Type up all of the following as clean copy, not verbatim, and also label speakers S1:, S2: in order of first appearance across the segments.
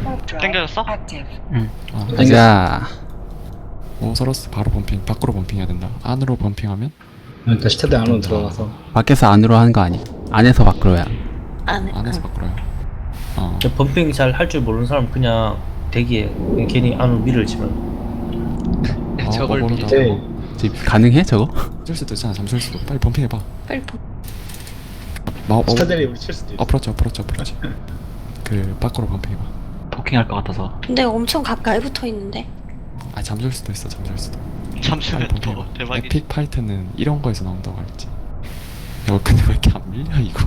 S1: 땡겨졌어?
S2: 응.
S3: 가자.
S4: 오서러스 바로 범핑. 밖으로 범핑해야 된다. 안으로 범핑하면
S5: 다시 테드 안으로 들어가서
S3: 밖에서 안으로 하는 거 아니? 안에서 밖으로야.
S4: 안에서 밖으로요.
S2: 범핑 잘 할 줄 모르는 사람 그냥 대기해. 그냥 괜히 안으로 밀을 치면.
S1: 저걸
S4: 모르다.
S5: 네.
S3: 지금 가능해 저거?
S4: 잠실 수도 있잖아. 잠실 수도. 빨리 범핑해봐.
S1: 빨리
S5: 스타들이 우리 칠 수도 있어.
S4: 어프로치. 그 밖으로 범핑해봐.
S2: 포킹할 것 같아서.
S1: 근데 엄청 가까이 붙어 있는데.
S4: 아 잠실 수도 있어. 잠실 수도.
S1: 잠시만
S4: 빨리
S1: 더
S4: 범핑해봐.
S1: 대박이지.
S4: 에픽 파이트는 이런 거에서 나온다고 알지. 야 근데 왜 이렇게 안 밀려 이거?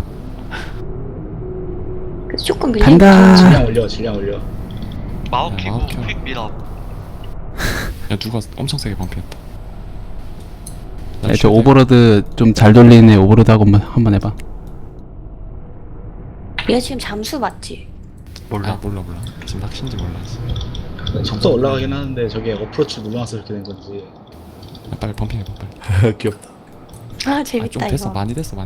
S1: 조금 밀려.
S3: 간다.
S5: 질량 올려.
S1: 마법
S4: 야,
S1: 키고
S4: 마법 켜.
S1: 휙 밀어.
S4: 야 누가 엄청 세게 범핑했다. 나
S3: 저
S4: 쉴드.
S3: 오버로드 좀 잘 돌리는 애 오버로드 하고 한번 해봐.
S1: 얘 지금 잠수 맞지?
S4: 몰라. 지금 낚시인지 몰라.
S5: 속도 올라가긴 하는데 저게 어프로치 누르면서 이렇게 된 건지.
S4: 야, 빨리 범핑해봐 빨리.
S5: 귀엽다.
S1: 아 재밌다
S4: 좀 됐어.
S1: 이거.
S4: 많이 됐어.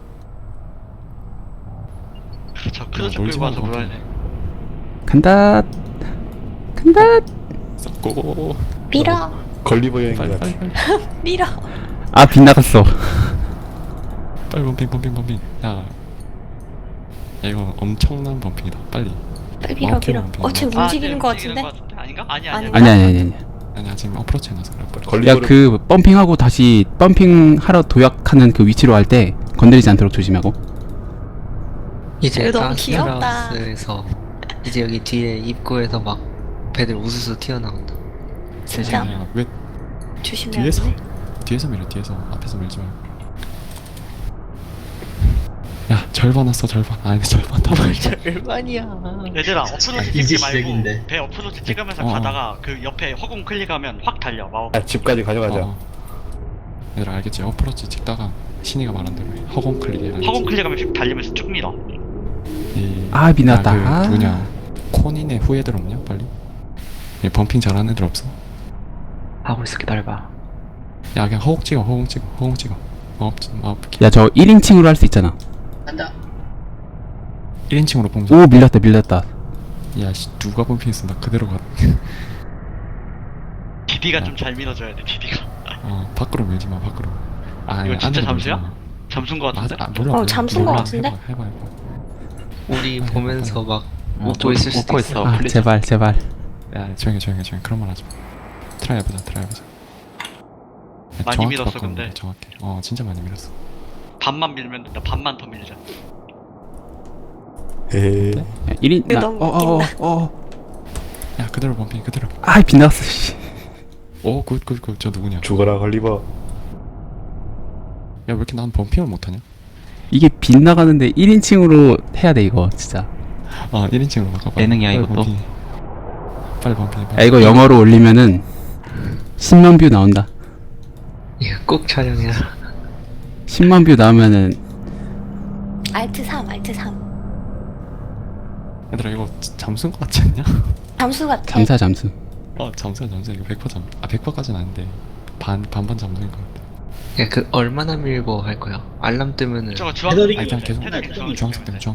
S1: 저 크루즈
S4: 놀지
S1: 끌고 와서
S4: 말고
S1: 놀아야 돼.
S3: 간다.
S4: 고고고고.
S1: 밀어.
S5: 걸리버 여행
S4: 빨리.
S1: 밀어.
S3: 아 빗나갔어.
S4: 빨리 범핑. 야 이거 엄청난 범핑이다. 빨리.
S1: 빨리 밀어
S4: 마법
S1: 밀어.
S4: 키고
S1: 지금 움직이는 거 같은데?
S4: 아닌가?
S1: 아니야.
S4: 아니야 지금 어프로치 해놔서 그래.
S5: 걸리버.
S3: 야 그 펌핑하고 다시 펌핑하러 도약하는 그 위치로 할 때 건드리지 않도록 조심하고.
S6: 이제
S1: 이거 너무 귀엽다.
S6: 아스라우스에서 이제 여기 뒤에 입구에서 막 배들 우수수 튀어나온다.
S1: 진짜?
S4: 야, 왜
S1: 조심해야
S4: 뒤에서
S1: 돼.
S4: 뒤에서 밀어. 뒤에서 앞에서 밀지 말고. 야 절반 왔어 절반. 아니 절반 다 말고.
S6: 절반이야.
S1: 얘들아 어프로치
S5: 이제
S1: 찍지 말고
S5: 시작인데.
S1: 배 어프로치 찍으면서
S4: 어.
S1: 가다가 그 옆에 허공 클릭하면 확 달려 마법.
S5: 집까지 가져가자.
S4: 얘들아 알겠지? 어프로치 찍다가 신이가 말한 대로 해. 허공 클릭해. 알겠지?
S1: 허공 클릭하면 휙 달리면서 쭉 밀어.
S3: 아, 미났다.
S4: 야, 그 누구냐 코닌의 후예들 없냐 빨리? 얘 범핑 잘하는 애들 없어?
S2: 하고 있어 기다려봐.
S4: 야 그냥 허공 찍어.
S3: 야 저 1인칭으로 할 수 있잖아.
S4: 1인칭으로 봉사.
S3: 오 밀렸다.
S4: 야씨 누가 범핑했어? 나 그대로 가.
S1: 디디가 좀 잘 밀어줘야 돼. 디디가.
S4: 밖으로 밀지 마. 밖으로. 아
S1: 이거 진짜
S4: 안으로 밀지
S1: 잠수야?
S4: 마.
S1: 잠수인 거 같은데?
S4: 몰라.
S1: 잠수인 거 같은데?
S4: 해봐.
S6: 우리 보면서 막
S2: 어,
S6: 웃고 있을 수도 있어.
S3: 아 제발.
S4: 야 조용히 그런 말 하지 마. 트라이 해보자.
S1: 많이
S4: 정확히
S1: 밀었어,
S4: 바꾸는
S1: 근데.
S4: 거야, 정확히. 진짜 많이 밀었어.
S1: 반만 밀면 된다. 반만 더 밀자.
S5: 에이.
S3: 1인
S1: 이거 너무
S4: 야 그대로 범핑 그대로.
S3: 아 빗나갔어. 씨.
S4: 오 굿. 저 누구냐?
S5: 죽어라 걸리버.
S4: 야 왜 이렇게 난 범핑을 못하냐?
S3: 이게 빗나가는데 1인칭으로 해야 돼 이거 진짜.
S4: 1인칭으로 바꿔봐.
S2: 예능이야,
S4: 빨리
S2: 이것도?
S4: 범핑해. 빨리 범핑해.
S3: 야 이거 영어로 올리면은 10만 뷰 나온다.
S6: 이거 꼭 촬영해라.
S3: 10만 뷰 나오면은
S1: 알트 3.
S4: 얘들아 이거 잠수인 거 같지 않냐?
S1: 잠수 같아.
S3: 잠수.
S4: 잠수야 이거 100% 잠수. 100%까지는 아닌데 반반 잠수인 거 같아.
S6: 야, 그 얼마나 밀고 할 거야? 알람 뜨면은
S1: 저거 주황.
S5: 헤더링이
S4: 그냥 계속
S1: 헤더링
S4: 주황색 때문에.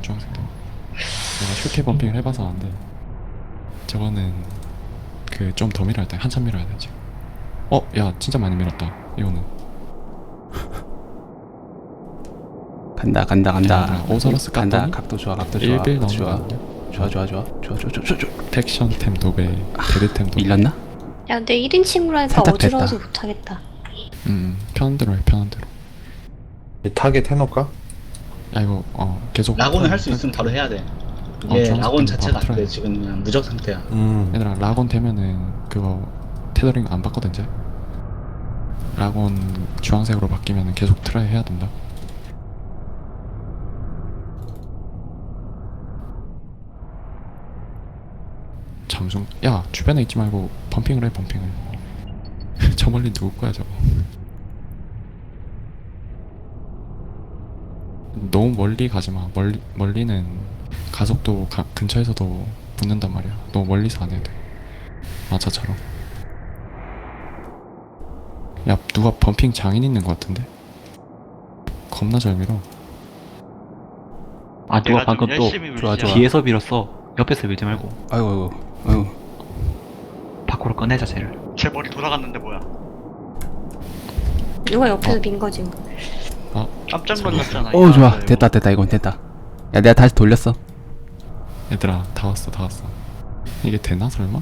S4: 내가 슈케 범핑을 해봐서 안 돼. 저거는 그 좀 더 밀어야 돼. 한참 밀어야 돼 지금. 야 진짜 많이 밀었다. 이거는.
S3: 간다.
S4: 오서러스
S3: 간다.
S4: 깠더니
S3: 각도 좋아.
S4: 1빌
S3: 좋아.
S4: 나오는 팩션템 도배, 데드템 도배.
S3: 밀렸나?
S1: 야 근데 1인칭으로 하니까
S3: 살짝
S1: 어지러워서
S3: 됐다.
S1: 못하겠다.
S4: 편한 대로 해.
S5: 타겟 해놓을까?
S4: 야 이거 계속.
S5: 라곤을 할 수 있으면 바로 해야 돼. 이게
S4: 주황색
S5: 라곤
S4: 때문에
S5: 자체가
S4: 바로
S5: 안 돼.
S4: 틀어야
S5: 지금 그냥 무적 상태야.
S4: 얘들아 라곤 되면은 그거 테더링 안 바꿔도 이제. 라곤 주황색으로 바뀌면은 계속 트라이 해야 된다. 잠수. 야 주변에 있지 말고 범핑을 해. 저 멀리 누구 거야 저거. 너무 멀리 가지 마. 멀리는 가속도 근처에서도 붙는단 말이야. 너무 멀리서 안 해도 돼. 저처럼. 야 누가 범핑 장인 있는 거 같은데? 겁나 잘 밀어.
S2: 아 누가
S1: 내가 좀
S2: 방금 또
S1: 열심히 밀자.
S3: 좋아.
S2: 뒤에서 밀었어.
S7: 옆에서 밀지 말고
S3: 아이고 아이고.
S7: 밖으로 꺼내자 쟤를.
S1: 제 머리 돌아갔는데 뭐야? 누가 옆에서 민 거지 뭐. 깜짝 놀랐잖아.
S3: 오 좋아. 됐다 이건 됐다. 야 내가 다시 돌렸어.
S4: 얘들아 다 왔어. 이게 되나 설마?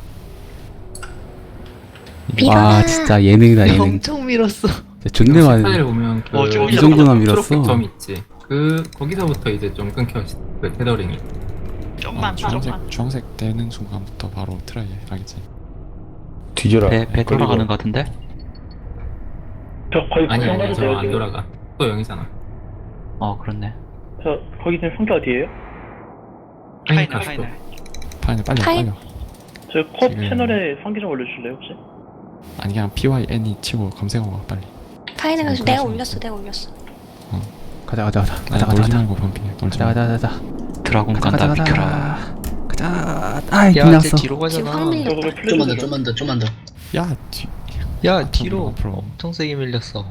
S3: 와 진짜 예능이다 예능.
S6: 엄청 밀었어.
S3: 진짜 존내 많이.
S8: 스타일을 보면 그
S3: 이 정도나 밀었어.
S8: 초록색 점 있지. 그 거기서부터 이제 좀 끊겨 그 테더링이.
S1: 좀만
S4: 주황색 되는 순간부터 바로 트라이 하겠지.
S2: 뒤져라.
S7: 배 돌아가는 거 같은데?
S9: 저 거의
S8: 아니
S9: 돼요,
S8: 저안
S9: 지금.
S8: 돌아가. 또 0이잖아.
S7: 그렇네.
S9: 저 거기 지금 성격 어디에요?
S8: 그러니까
S4: 파인을 빨리
S1: 파인?
S4: 빨리.
S9: 저 컵
S4: 지금-
S9: 채널에 성기 좀 올려주실래요 혹시?
S4: 아니 그냥 PYNE 치고 검색하고 와 빨리.
S1: 파이는 가서
S4: 지금
S1: 내가
S4: 그러시면
S1: 올렸어.
S3: 가자
S4: 아니, 놀지 말고 범핑 놀지 말고.
S3: 가자.
S7: 드라곤 간다 비켜라.
S3: 가자. 아이
S6: 야,
S3: 끝났어.
S6: 쟤 뒤로
S1: 지금 확
S6: 가잖아.
S1: 밀렸다.
S9: 저거 왜 플래시
S5: 좀만 더.
S4: 야
S6: 야, 뒤로
S4: 앞으로.
S6: 엄청 세게 밀렸어.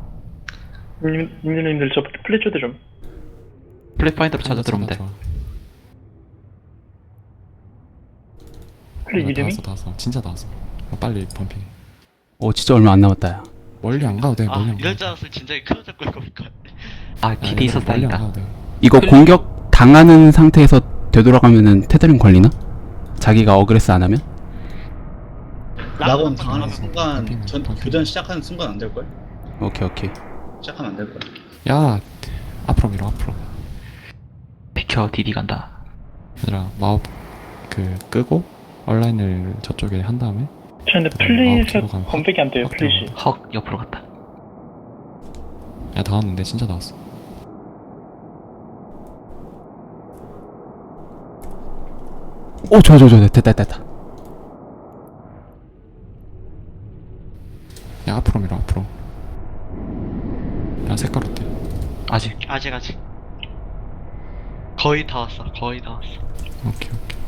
S9: 님들 저 플래시드 좀.
S7: 플랫파인더로 찾아 들어오면 돼.
S9: 플래 이름이?
S4: 다 왔어. 진짜 다 왔어. 빨리 범핑.
S3: 오 진짜 얼마 안 남았다 야.
S4: 멀리 안 가도 돼. 멀리 안 가도
S1: 이럴
S4: 돼.
S1: 줄 알았으면 진작에 큰일 잡고 있을 것 같아.
S7: 기대 있었다
S4: 멀리 안
S7: 있다.
S4: 가도 돼.
S3: 이거 공격 당하는 상태에서 되돌아가면은 테더링 걸리나? 자기가 어그레스 안 하면?
S5: 라곤 당하는 순간
S4: 범핑,
S5: 전
S4: 범핑.
S5: 교전 시작하는 순간 안 될걸?
S3: 오케이.
S5: 시작하면 안 될걸?
S4: 야 앞으로 밀어 앞으로.
S7: 비켜 디디 간다.
S4: 얘들아 마법 그 끄고 온라인을 저쪽에 한 다음에
S9: 저 근데 플래시 검색이 안 돼요 플래시.
S7: 헉 옆으로 갔다.
S4: 야 다 왔는데 진짜 다 왔어.
S3: 오 좋아 됐다.
S4: 야 앞으로 밀어 앞으로. 야 색깔 어때?
S7: 아직
S1: 아직. 거의 다 왔어.
S4: 오케이.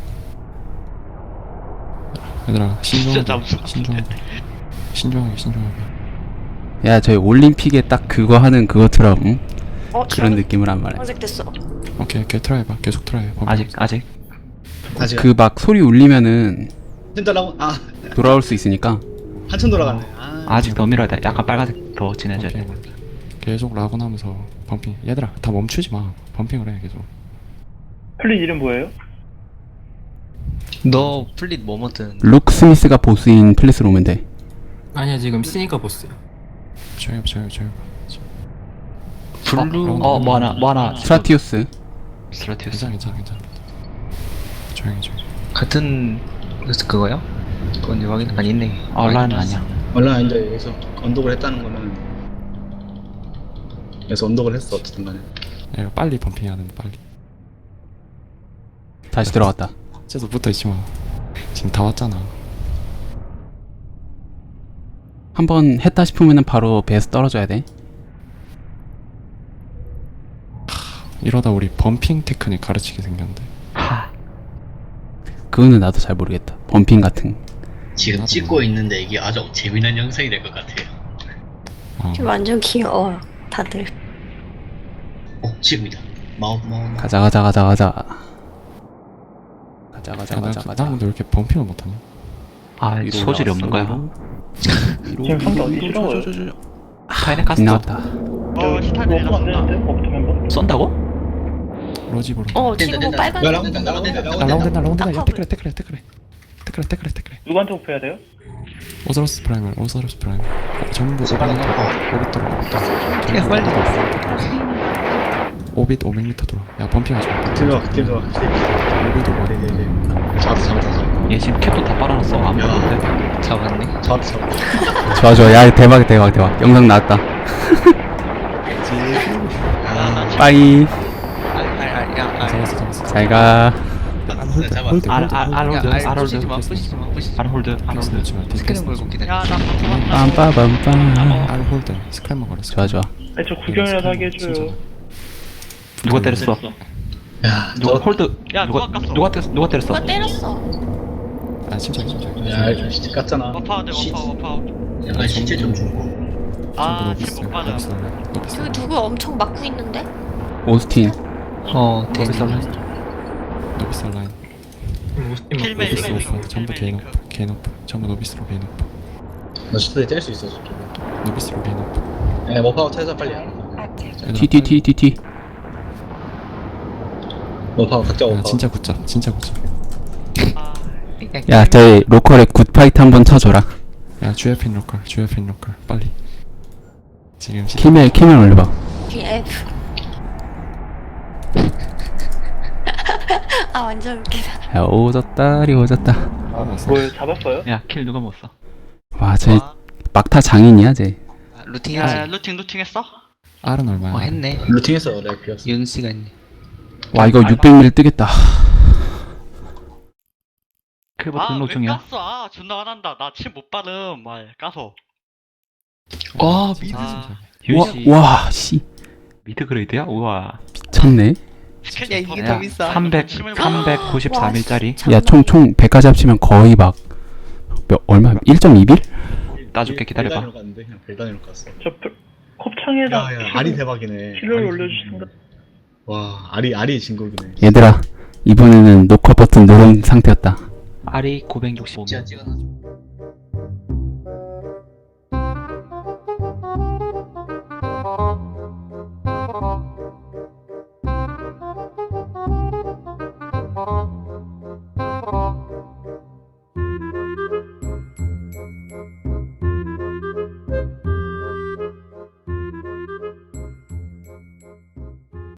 S4: 얘들아
S1: 진짜 잠수.
S4: 신중하게.
S3: 야 저희 올림픽에 딱 그거 하는 그것처럼 응? 그런 느낌을 한 말해.
S1: 검색됐어.
S4: 오케이 트라이 해봐. 계속 트라이 해.
S7: 아직
S5: 아직
S3: 그 막 소리 울리면은
S5: 진짜 라곤
S3: 돌아올 수 있으니까.
S5: 한참 돌아갔네.
S7: 아직 더 밀어야 돼. 약간 빨간색 더 진해져야 돼.
S4: 오케이. 계속 라곤하면서 범핑. 얘들아 다 멈추지 마. 범핑을 해 계속.
S9: 플래 이름 뭐예요?
S6: 너 플릿 뭐뭐 뜨는데?
S3: 룩 스미스가 보스인 플래스로 오면 돼.
S8: 아니야 지금 시니까 보스야.
S4: 조용히.
S6: 블루.
S7: 뭐 하나.
S3: 스트라티우스.
S7: 스트라티우스.
S4: 괜찮아. 조용히.
S6: 같은 그거야? 그건 내 확인 안 있네.
S7: 온라인은 아니야.
S5: 온라인인데 여기서 언덕을 했다는 거는 여기서 언덕을 했어 어쨌든 간에.
S4: 야 빨리 범핑해야 되는데 빨리.
S3: 다시 들어갔다.
S4: 쟤도 붙어있지 마. 지금 다 왔잖아.
S3: 한번 했다 싶으면은 바로 배에서 떨어져야 돼.
S4: 이러다 우리 범핑 테크닉 가르치게 생겼는데.
S3: 그거는 나도 잘 모르겠다. 범핑 같은.
S10: 지금
S4: 나도
S10: 찍고
S4: 몰라.
S10: 있는데 이게 아주 재미난 영상이 될 것 같아요.
S1: 지금 완전 귀여워. 다들.
S10: 지금이다. 마법.
S3: 가자.
S4: 나 근데 왜 이렇게 범핑을 못하냐?
S3: 위로
S7: 소질이 없는 거야.
S9: 지금 성격 어디 싫어요?
S7: 파인에 가스
S3: 나왔다.
S1: 스타일
S9: 워프 안 되는데? 워프 멤버?
S7: 쏜다고?
S4: 로지브로.
S1: 지금 뭐
S10: 된다.
S1: 빨간.
S5: 야 라곤 된다.
S4: 라운드. 야
S1: 아까
S4: 테크레.
S9: 누구한테 워프해야 돼요?
S4: 오서러스 프라이멀. 전부 오빗 돌아.
S6: 야, 빨리.
S4: 500m 돌아. 야 범핑하지 마.
S5: 들어와.
S4: 오빗 500.
S5: 잡았어.
S7: 얘 지금 캡도 다 빨아놨어. 안 보이는데.
S6: 잡았네.
S3: 좋아. 야 대박. 영상 나왔다. 빠이.
S4: 잡았어.
S3: 잘가.
S4: 홀드.
S7: 홀드.
S6: 스크린 걸고 기다려.
S3: 빰빠밤빰.
S4: 알 홀드. 스크램머 걸었어.
S3: 좋아.
S9: 아니 저 구경이라도 하게 해줘요.
S7: 누가 때렸어?
S5: 야,
S7: 누가 홀드? 누가 때렸어?
S1: 누가 때렸어?
S4: 아 침착.
S5: 야, 진짜 깠잖아.
S1: 워프아웃.
S10: 약간 실제 좀 주고.
S1: 지금 못 맞아. 그 누구 엄청 막고 있는데?
S3: 오스틴.
S6: 데니.
S4: 노비스 라인.
S8: 킬맨
S4: 노비스로 전부 개인 오프 개인 오프 전부 노비스로 개인 오프
S5: 나 슈트에 뗄수 있어 저쪽에.
S4: 노비스로 개인 오프
S5: 예, 머파우트 해서 빨리.
S3: TTTTT.
S5: 머파우트 각자
S4: 야
S5: 머파우트.
S4: 진짜 굿잡 진짜 굿잡
S3: 야 저희 로컬에 굿파이트 한번 쳐줘라.
S4: 야 GF인 로컬 GF인 로컬 빨리 지금
S3: 킬멜 올려봐.
S1: TF. 아 완전 웃기다.
S3: 야 오졌다리 오졌다.
S9: 뭘 잡았어요?
S7: 야, 킬 누가 먹었어?
S3: 와 쟤 막타 장인이야 쟤.
S6: 아, 루팅 하지.
S1: 루팅 했어?
S4: R은 얼마야?
S6: 했네.
S5: 루팅했어 내가 비었어.
S6: 연 시간.
S3: 와 이거 600ml 뜨겠다.
S7: 클버 등록 중이야.
S1: 깠어? 아 존나 화난다. 나 침 못 바름. 말 까서.
S6: 와
S7: 유시.
S3: 와 씨.
S7: 미드 그레이드야? 우와.
S3: 미쳤네.
S6: 야, 이게 더 비싸.
S7: 393일짜리.
S3: 야 총 100까지 합치면 거의 막 얼마 1.2빌?
S7: 따줄게 기다려봐.
S5: 벨단으로 갔는데 그냥 벨단으로 갔어.
S9: 저 컵창에다
S5: 야야 알이 대박이네.
S9: 키를
S5: 알이
S9: 올려주신다.
S5: 와 알이 진국이네.
S3: 얘들아 이번에는 노커 버튼 누른 상태였다.
S7: 알이 965.
S10: 찍어놔줘.